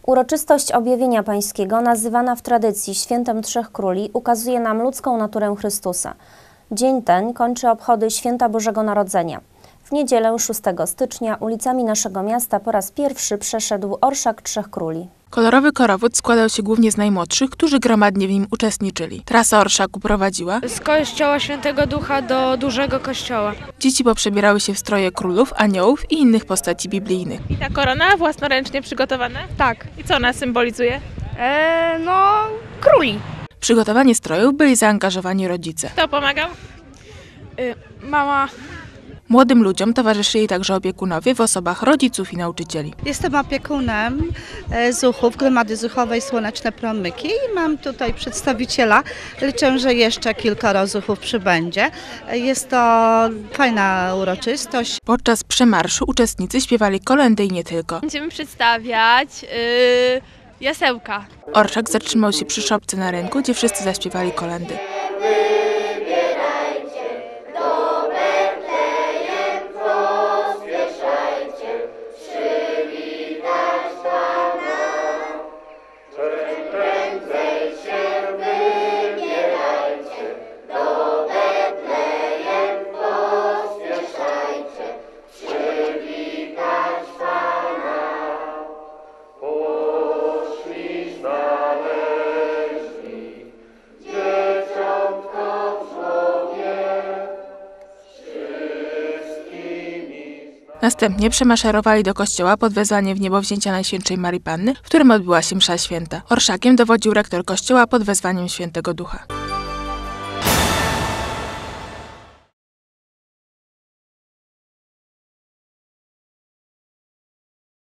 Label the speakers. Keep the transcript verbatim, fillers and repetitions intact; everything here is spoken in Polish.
Speaker 1: Uroczystość Objawienia Pańskiego, nazywana w tradycji Świętem Trzech Króli, ukazuje nam ludzką naturę Chrystusa. Dzień ten kończy obchody Święta Bożego Narodzenia. W niedzielę szóstego stycznia ulicami naszego miasta po raz pierwszy przeszedł Orszak Trzech Króli.
Speaker 2: Kolorowy korowód składał się głównie z najmłodszych, którzy gromadnie w nim uczestniczyli. Trasa orszaku prowadziła
Speaker 3: z kościoła Świętego Ducha do dużego kościoła.
Speaker 2: Dzieci poprzebierały się w stroje królów, aniołów i innych postaci biblijnych.
Speaker 4: I ta korona własnoręcznie przygotowana?
Speaker 3: Tak.
Speaker 4: I co ona symbolizuje?
Speaker 3: E, no, króli.
Speaker 2: W przygotowanie strojów byli zaangażowani rodzice.
Speaker 4: Kto pomagał?
Speaker 3: Y, mama.
Speaker 2: Młodym ludziom towarzyszyli także opiekunowie w osobach rodziców i nauczycieli.
Speaker 5: Jestem opiekunem Zuchów, Gromady Zuchowej Słoneczne Promyki i mam tutaj przedstawiciela. Liczę, że jeszcze kilkoro Zuchów przybędzie. Jest to fajna uroczystość.
Speaker 2: Podczas przemarszu uczestnicy śpiewali kolędy i nie tylko.
Speaker 6: Będziemy przedstawiać yy, jasełka.
Speaker 2: Orszak zatrzymał się przy szopce na rynku, gdzie wszyscy zaśpiewali kolędy. Następnie przemaszerowali do kościoła pod wezwaniem w niebowzięcia Najświętszej Marii Panny, w którym odbyła się msza święta. Orszakiem dowodził rektor kościoła pod wezwaniem Świętego Ducha.